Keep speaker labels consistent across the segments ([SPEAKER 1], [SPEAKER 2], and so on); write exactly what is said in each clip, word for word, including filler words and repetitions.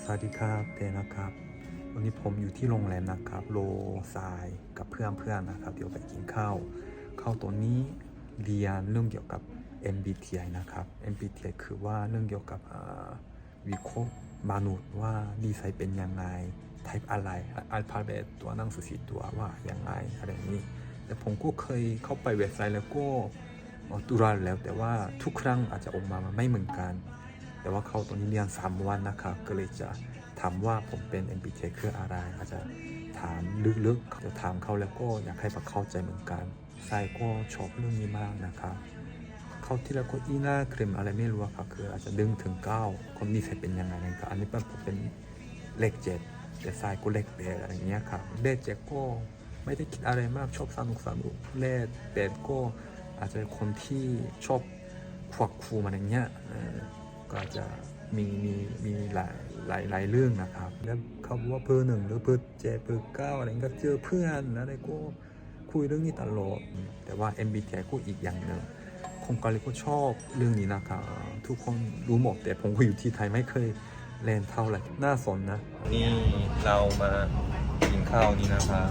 [SPEAKER 1] สวัสดีครับเตนะครับวันนี้ผมอยู่ที่โรงแรมนะครับโลซายกับเพื่อนๆนะครับเดี๋ยวไปกินข้าวข้าวตัวนี้เรียนเรื่องเกี่ยวกับ เอ็ม บี ที ไอ นะครับ เอ็ม บี ที ไอ คือว่าเรื่องเกี่ยวกับวิเคราะห์มนุษย์ว่าดีไซน์เป็นยังไง type อะไรอัลฟาเบตตัวหนังสือสีตัวว่ายังไงอะไรอย่างนี้แต่ผมก็เคยเข้าไปเว็บไซต์แล้วก็ตุลาแล้วแต่ว่าทุกครั้งอาจจะออกมาไม่เหมือนกันแต่ว่าเขาตอนนี้เรียนสามวันนะครับก็เลยจะถามว่าผมเป็น เอ็ม บี ที ไอ คืออะไรอาจจะถามลึกๆเดี๋ยวถามเขาแล้วก็อยากให้เขาเข้าใจเหมือนกันใช่ก็ชอบเรื่องนี้มากนะครับเขาที่แล้วก็อีน่าเครมอะไรไม่รู้ครับคืออาจจะดึงถึงเก้าคนนี้ใส่เป็นยังไงนะครับอันนี้ผมเป็นเลขเจ็ดแต่ทรายก็เลขแปดอะไรเงี้ยครับเลขเจ็ดก็ไม่ได้คิดอะไรมากชอบสนุกสนุกเลขแปดก็อาจจะคนที่ชอบควักคูมันอย่างเงี้ยก็จะมีมีมีหลายหลายหลายเรื่องนะครับแล้วเขาบอกว่าเบอร์หนึ่งหรือเบอร์เจ็ดเบอร์เก้าอะไรก็เจอเพื่อนอะไรก็คุยเรื่องนี้ตลอดแต่ว่า เอ็ม บี ที ไอ ก็อีกอย่างหนึ่งคนเกาหลีก็ชอบเรื่องนี้นะครับทุกคนรู้หมดแต่ผมก็อยู่ที่ไทยไม่เคยเล่นเท่าไหร่น่าสนนะนี่เรามากินข้าวนี่นะครับ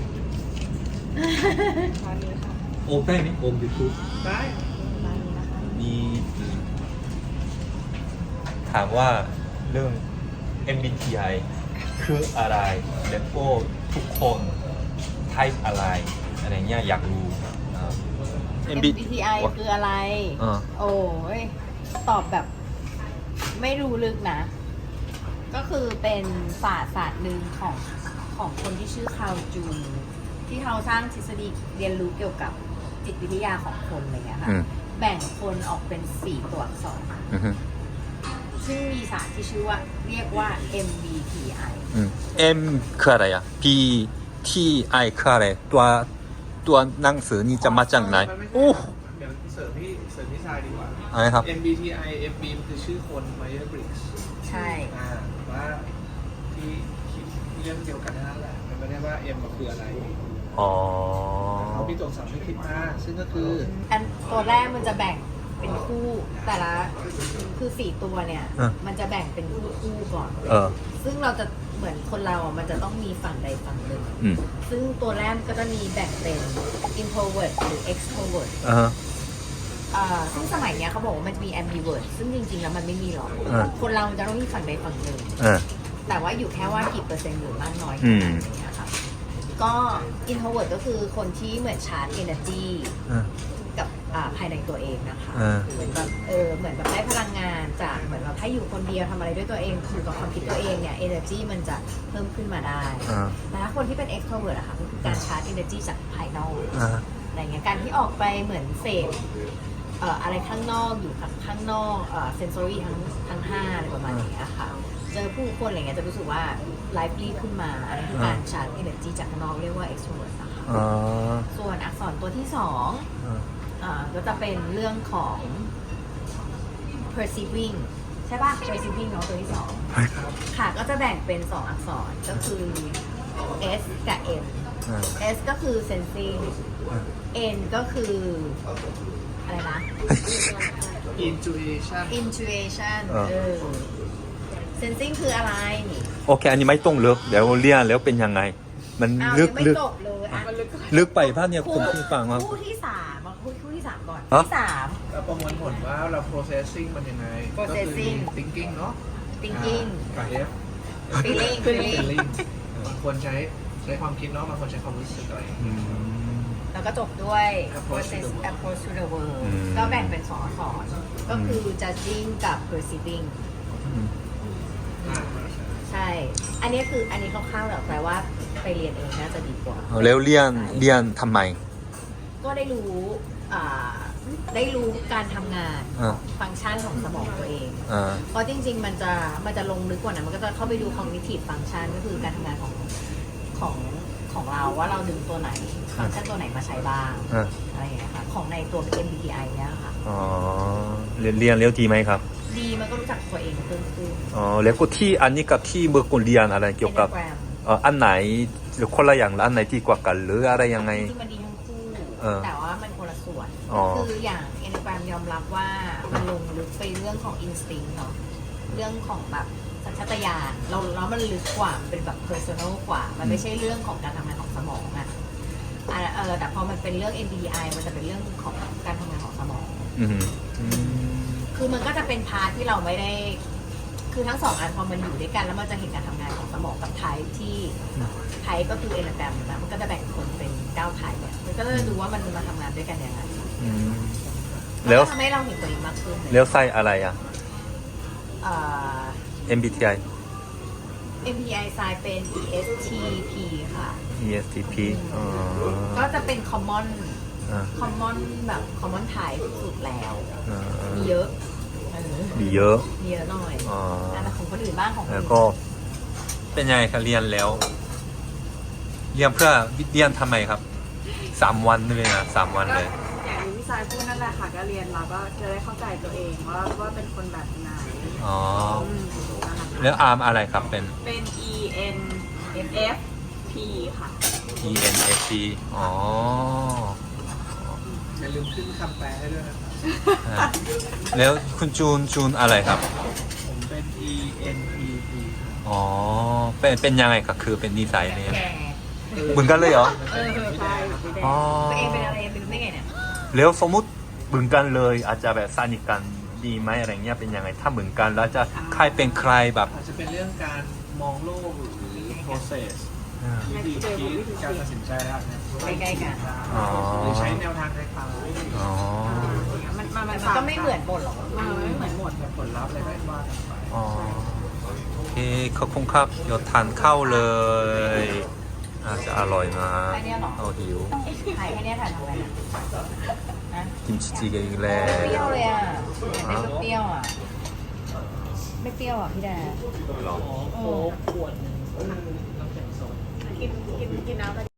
[SPEAKER 1] โอมได้ไหมโอมยูทูบได้มีถามว่าเรื่อง เอ็ม บี ที ไอ คืออะไรแล้วก็ทุกคน type อะไรอะไรเงี้ยอยากรู้
[SPEAKER 2] เอ็ม บี ที ไอ คืออะไร โอ้ยตอบแบบไม่รู้ลึกนะ ก็คือเป็นศาสตร์ศาสตร์หนึ่งของของคนที่ชื่อคาร์ลจูนที่เขาสร้างทฤษฎีเรียนรู้เกี่ยวกับจิตวิทยาของคนอะไรเงี้ยค่ะแบ่งคนออกเป็นสี่ตัวอักษรซึ่งมีศาสตร์ที่ชื่อว่าเรียกว่า เอ็ม บี ที ไอ
[SPEAKER 1] M คืออะไรอ่ะ B T I คืออะไรตัวตัวหนังสือนี่จะมาจากไหนโอ้
[SPEAKER 3] เดี๋ยวเสริมพี่เสริมพี่ชายดีกว่า
[SPEAKER 1] อะไรครับ
[SPEAKER 3] เอ็ม บี ที ไอ เอ็ม บี มันคือชื่อคน Myers Briggs
[SPEAKER 2] ใช่
[SPEAKER 3] อ่าว่าที่คิดเรื่องเดียวกันนั่นแหละมันไม่ได้ว่า M มันคืออะไร
[SPEAKER 1] อ๋อ
[SPEAKER 3] เขามีตัวอักษรไม่คิดมากซึ่งก็คือ
[SPEAKER 2] อันตัวแรกมันจะแบ่งเป็นคู่แต่ละคือสี่ตัวเนี่ยมันจะแบ่งเป็นคู่คู่ก่อน
[SPEAKER 1] เออ
[SPEAKER 2] ซึ่งเราจะเหมือนคนเราอ่ะมันจะต้องมีฝั่งใดฝั่งหนึ่งซึ่งตัวแรกก็จะมีแบ่งเป็น introvert หรือ extrovert
[SPEAKER 1] อ่า
[SPEAKER 2] อ่าซึ่งสมัยเนี้ยเขาบอกว่ามันจะมี ambivert ซึ่งจริงๆแล้วมันไม่มีหรอกคนเราจะต้องมีฝั่งใดฝั่งหนึ่งแต่ว่าอยู่แค่ว่ากี่เปอร์เซ็นต์หรือมากน้อยขนาดไหนอะค่ะก็ introvert ก็คือคนที่เหมือนชาร์จ energyกับภายในตัวเองนะคะเหมือนแบบเออเหมือนแบบได้พลังงานจากเหมือนแบบถ้าอยู่คนเดียวทำอะไรด้วยตัวเองอยู่กับความคิดตัวเองเนี่ย energy มันจะเพิ่มขึ้นมาได้แต่ถ้าคนที่เป็น extrovert อะค่ะก็คือการชาร์จ energy จากภายนอกอะไรเงี้ยการที่ออกไปเหมือนเสพเอ่ออะไรข้างนอกอยู่ข้างนอกเอ่อ sensory ทั้งทั้งห้าอะไรประมาณนี้ค่ะเจอผู้คนอะไรเงี้ยจะรู้สึกว่า lively ขึ้นมาอันนี้คือการชาร์จ energy จากข้างนอกเรียกว่า extrovert นะคะส่วนอักษรตัวที่สองอ่าก็จะเป็นเรื่องของ perceiving ใช่ป่ะ perceiving เนาะตัวที่สองค่ะก็จะแบ่งเป็นสองอักษรก็คือ S กับ M S ก็คือ sensing N ก็คืออะไรนะ
[SPEAKER 3] intuition
[SPEAKER 2] intuition เออ sensing คืออะไร
[SPEAKER 1] โอเคอันนี้ไม่ต้องลึกเดี๋ยวเรียนแล้วเป็นยังไไงมันลึกลึกลึกไปป่ะเนี่ยผมเพิ่งฟังมา
[SPEAKER 2] คู่ที่สามคู่คู่ที่สามก่อนที่สาม
[SPEAKER 3] เราประมวลผลว่าเรา processing มันยังไงก็คือ thinking เนาะ
[SPEAKER 2] thinking
[SPEAKER 3] กับ F
[SPEAKER 2] feeling feeling
[SPEAKER 3] บางคนใช้ใช้ความคิดเนาะบางคนใช้ความรู้สึกอะไร
[SPEAKER 2] แล้วก็จบด้วย process approach to the world ก็แบ่งเป็นสองอักษรก็คือ judging กับ perceiving ใช่อันนี้คืออันนี้คร่าวๆแต่แปลว่าไปเรียนเองน่าจะดีกว่า
[SPEAKER 1] แล้วเรียนเรียนทำไม
[SPEAKER 2] ก็ได้รู้ได้รู้การทำงานฟังก์ชันของสมองตัวเองเพราะจริงๆมันจะมันจะลงลึกกว่านั้นมันก็จะเข้าไปดู cognitive function ก็คือการทำงานของของของเราว่าเราดึงตัวไหนฟังก์ชันตัวไหนมาใช้บ้างอะไรอย่างเงี้ยค่ะของในตัว เอ็ม บี ที ไอ เนี่ยค่ะ
[SPEAKER 1] อ๋อเรียนเรียนเร็วดีไหมครับ
[SPEAKER 2] ดีมันก็รู้จักตัวเองเพิ่มขึ้น
[SPEAKER 1] อ๋อแล้วก็ที่อันนี้กับที่เมื่อก่อนเรียนอะไรเกี่ยวกับอันไหนหรือคนละอย่างอันไหนที่กว่ากันหรืออะไรยังไง
[SPEAKER 2] ที่มันดีทั้งคู่แต่ว่ามันคนละส่วนคืออย่าง Enneagram ยอมรับว่ามันลงลึกไปเรื่องของ instinct เนาะเรื่องของแบบสัสัญชาตญาณเราแล้วมันลึกกว่าเป็นแบบ personal กว่า มันไม่ใช่เรื่องของการทำงานของสมองอะอ่ะเออแต่พอมันเป็นเรื่อง เอ็ม บี ที ไอ มันจะเป็นเรื่องของการทำงานของสมอง
[SPEAKER 1] อืมอืม
[SPEAKER 2] คือมันก็จะเป็นพาร์ทที่เราไม่ได้ คือทั้งสองอันพอมันอยู่ด้วยกันแล้วมันจะเห็นการทำงานของสมองกับไทป์ที่ไทป์ก็คือเอนาแกรมนะมันก็จะแบ่งคนเป็นเก้าไทป์เนี่ยมันก็จะดูว่ามันมาทำงานด้วยกันยังไง
[SPEAKER 1] อืมแล้ว
[SPEAKER 2] ทำให้เราเห็นตัวเองมากขึ้น
[SPEAKER 1] แล้วไส้อะไรอ่ะ
[SPEAKER 2] เอ่อ
[SPEAKER 1] เอ็ม บี ที ไอ
[SPEAKER 2] เอ็ม พี ไอ sign เป็น อี เอส ที พี ค่ะ
[SPEAKER 1] อี เอส ที พี อ๋อ
[SPEAKER 2] ก็จะเป็น common
[SPEAKER 1] อ่า
[SPEAKER 2] common แบบ common type สุดแล้ว
[SPEAKER 1] อ่า
[SPEAKER 2] มีเยอะเออ
[SPEAKER 1] มีเยอะ
[SPEAKER 2] มีเยอะหน่อย
[SPEAKER 1] อ๋อ
[SPEAKER 2] แต่ของคนอื่นบ้างของคน
[SPEAKER 1] แล้ว
[SPEAKER 2] อื่น
[SPEAKER 1] ก็เป็นยังไงคะเรียนแล้ว เรียนเพื่อเรียนทำไมครับสามวันเลยนะสามวัน
[SPEAKER 4] ก็
[SPEAKER 1] เลย
[SPEAKER 4] อย่างที่พี่ชายพูดนั่นแหละค่ะก็เรียนเราก็จะได้เข้าใจตัวเองว่าว่าเป็นคนแบบไหน
[SPEAKER 1] อ๋อ
[SPEAKER 4] อืมนะคะ
[SPEAKER 1] แล้วอาร์มอะไรครับเป็น
[SPEAKER 4] เป็น E N F P ค่ะ
[SPEAKER 1] E N F P อ๋อ
[SPEAKER 3] อย่าลืมขึ้นคำแปลให้ด้วยนะครับ
[SPEAKER 1] อ่ะแล้วคุณจูนจูนอะไรครับ
[SPEAKER 3] ผมเป็น E N P P
[SPEAKER 1] อ๋อ เป็นเป็นยังไงครับคือเป็นนิสัยเนี่ย
[SPEAKER 2] แก่
[SPEAKER 1] เหมือนกันเลยเหรอ
[SPEAKER 2] เออ
[SPEAKER 4] ใช่สีแดง
[SPEAKER 1] อ๋อ
[SPEAKER 2] ตัวเองเป็นอะไรเป็นได้ไงเนี่ย
[SPEAKER 1] แล้วสมมุติเหมือนกันเลย อาจจะแบบสนิทกันดีไหมอะไรเงี้ยเป็นยังไงถ้าเหมือนกันแล้วจะใครเป็นใครแบบ
[SPEAKER 3] อาจจะเป็นเรื่องการมองโลกหรือ process
[SPEAKER 1] อ่า
[SPEAKER 3] วิธีคิดการตัดสินใจแล้วนะ
[SPEAKER 2] ใกล้ๆกัน
[SPEAKER 1] อ๋อ
[SPEAKER 3] หรือใช้แนวทางคล้ายๆ
[SPEAKER 1] อ๋อ
[SPEAKER 4] มันมัน
[SPEAKER 2] แต่
[SPEAKER 4] มัน
[SPEAKER 2] มันก็ไม่เหมือนหมดหรอก
[SPEAKER 4] มันไม่เหมือนหมด
[SPEAKER 3] แต่ผลลัพธ์อะไรก็ว่ากันไป
[SPEAKER 1] อ๋อโอเคขอบคุณครับเดี๋ยวทานข้าวเลยอาจจะอร่อยนะ
[SPEAKER 2] แค่เนี้ยเหรอ
[SPEAKER 1] เอาหิว
[SPEAKER 2] ถ่ายแค่เนี้ยถ่ายทำอะไรเนี่ยนะ
[SPEAKER 1] กิมจิจิเกอีกแล้
[SPEAKER 2] เปรี้ยว
[SPEAKER 1] ว
[SPEAKER 2] เลยอ่ะอยากได้เปรี้ยวอ่ะ ไม่เปรี้ยวอ่ะพี่แดง
[SPEAKER 1] หรอ
[SPEAKER 2] โอ้
[SPEAKER 3] ขวดน้ำแข็งโซด
[SPEAKER 4] กินกินกินน้ำ